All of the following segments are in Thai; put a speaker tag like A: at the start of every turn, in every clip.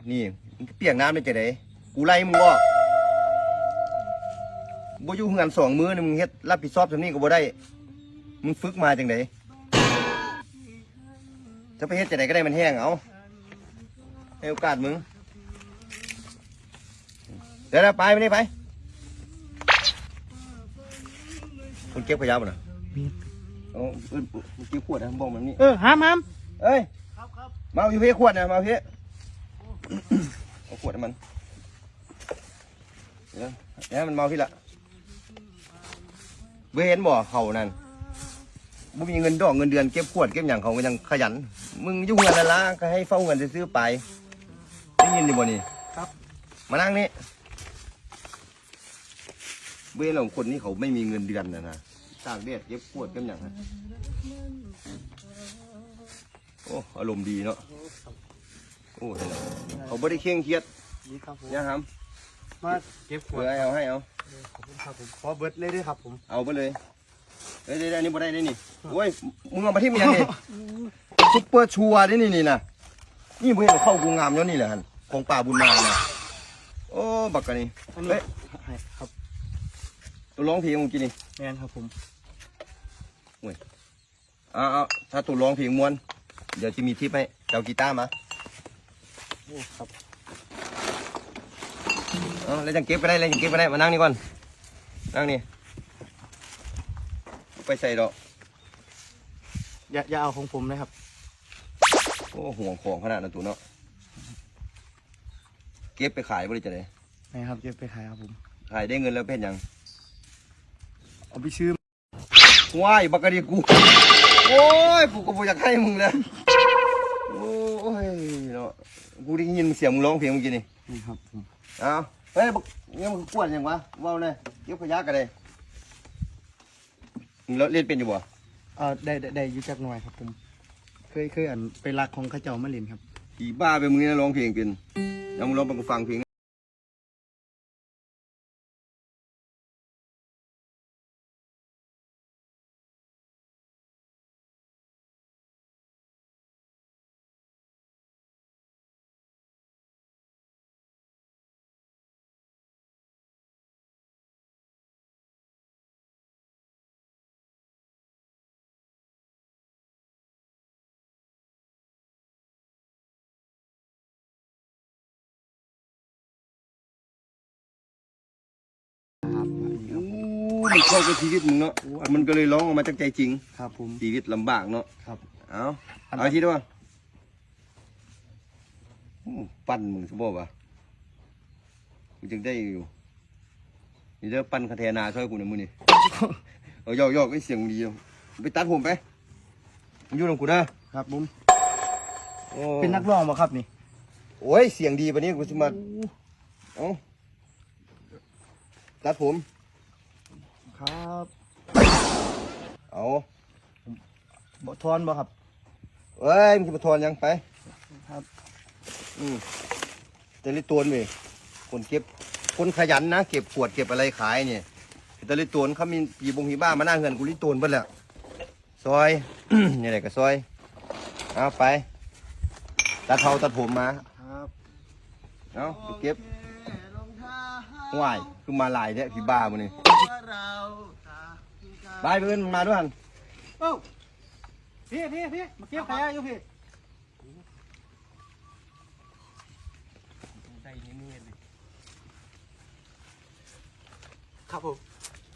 A: นี่เปียกน้ำได้จะไหนกูไล่มึงบ่อยู่เฮือน2 มื้อนี่มึงเฮ็ดรับผิดชอบทำนี่ก็บ่ได้มึงฝึกมาจังไดจะไปเฮ็ดจังไดก็ได้มันแห้งเอาให้โอกาสมึงเดี๋ยวไปไม่ได้ไปคุณเก็บขยะบ่น่ะเอาเมื่อกี้ขวดนะบอกมันนี่
B: ห้าม
A: เอ้ยมาอยู่พี่ขวดนะมาพี่เอาขวดให้มันเดี๋ยวมันเมาพี่ละเว้นบ่เขานั่นบุมีเงินดอกเงินเดือนเก็บขวดเก็บอย่างเขาก็ยังขยันมึงยุ่งเงินละก็ให้เฝ้าเงินซื้อไปได้ยินดิบ่นี่
B: ครับ
A: มานั่งนี่เว้นของคนนี้เขาไม่มีเงินเดือนนะตากแดดเก็บขวดเก็บอย่างโอ้อารมณ์ดีเนาะโอ้เขาไม่ได้เคร่งเครียดเนี่ยครับ
B: มาเก็บขวด
A: เอาให้เอา
B: ขอบคุณครับผมขอเบิร์ดเลยด้วยครับผม
A: เอาไปเลยเดี๋ยวอันนี้บ่ได้นี่โอ้ยมึงเอามาที่มันยังนี่ซุปเปอร์ชัวร์นี่นะนี่มึงเห็นเข้ากูงามแล้วนี่แหละฮันของป่าบุญมาเนี่ยโอ้บักกันนี่เฮ้ย
B: ครับ
A: ตัวร้องเพลงมึงกินนี่
B: แมนครับผม
A: โอ้ยเอาถ้าตัวร้องเพลงม้วนเดี๋ยวจะมีทิปให้เจ้ากีตาร์มา
B: โอ้ครับ
A: แล้วจังเก็บไปได้มานั่งนี่ก่อนนั่งนี่ไปใส่ดอก
B: อย่าเอาของผมนะครับ
A: โอ้ห่วงของขนาดนั้นตัวเนาะเก็บไปขายบริจาคเลย
B: นะครับเก็บไปขายครับผม
A: ขายได้เงินแล้วเป็นยัง
B: เอาไปซื้อ
A: ว้ายบักกะดีกูโอ้ยกูก็บ่อยากให้มึงเลยโอ้ยเนาะกูได้ยินเสียงมึงร้องเพลงเมื่อกี้นี่
B: ครับผม
A: เอาเฮ้ยเนี่ยมึงปวดยังวะว้าวเลยเก็บขยะกันเลยมึงเล่นเป็นอยู่บ่
B: ได้อยู่จักหน่อยครับผมเคยไปรักของข้าเจ้ามาเล่นครับ
A: อีบ้าไปมึงนี่ร้องเพลงเป็นแล้วมึงร้องไปกูฟังเพลงมันเข้ากับชีวิตมึงเนาะมันก็เลยร้องออกมาจากใจจริง
B: ครับผม
A: ชีวิตลำบากเนาะ
B: ครับ
A: เอาทีด้วยปั้นมึงสมบูรณ์ป่ะกูจึงได้อยู่นี่เด้อปั้นคาเทนาช่วยกูหน่อยมึงนี่เอายอกไอ้เสียงดีไปตัดผมไปมึงอยู่ตรงกูนะครับ
B: ผมเป็นนักร้องป่ะครับนี่
A: โอ้ยเสียงดีปะนี้กูจะมาเอาตัดผม
B: ครับ
A: เอา
B: บ่ทอนบ่ครับ
A: เอ้ยมึงจะมาทอนยังไป
B: ครับ
A: แต่ลิตรเว้ยคนขยันนะเก็บขวดเก็บอะไรขายเนี่ยแต่ลิตรเขามีปีบงหีบ้ามาหน้าเงินกูลิตรเพิ่นแหละซอย นี่แหละก็ซอยเอาไปตัดผมมา
B: ครับ
A: เอาไปเก็บห่วยคือมาลายเนี่ยพี่บ้ามันนี่บายเพื่อนมาด้วยกัน
B: พี่มาเก็บขยะอยู่พี่ครับผม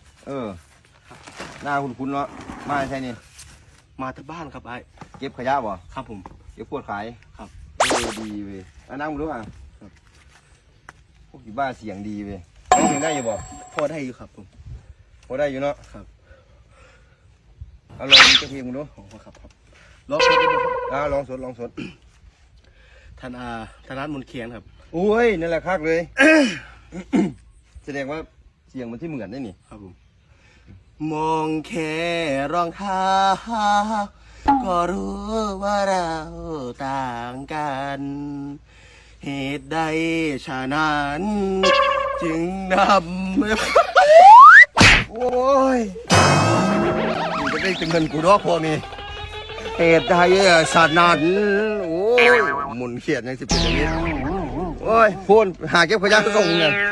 A: หน้าคุณเนาะมาใช่นี่
B: มาที่บ้านครับไอ้
A: เก็บขยะบ่
B: ครับผม
A: เก็บขวดขาย
B: ครับ
A: ดีเว้ยนั่งมาด้วยกันพวกพี่บ้าเสียงดีเว้ยร้องเพลงได้อยู่บ่
B: พอได้อยู่ครับผม
A: พอได้อยู่เนาะ
B: ครับ
A: เอาลองจะเพลงมึงดู
B: ครับ
A: ลองสดลองสด
B: ธนัทมนเขียนครับ
A: โอ้ยนั่นแหละคักเลย แสดงว่าเสียงมันที่เหมือนได้นี่
B: ครับผมมองแค่รองเท้าก็รู้ว่าเราต่างกันเหตุใดฉะนั้นจึงน
A: ำโอ้ยมึงจะได้เงินกูดอกพอมีเหตุใดฉะนั้นโอ้ยมุนเขียนยังสิบเป็นอย่างนี้โอ้ยพูนหาเก็บขยะก็งเนี่ย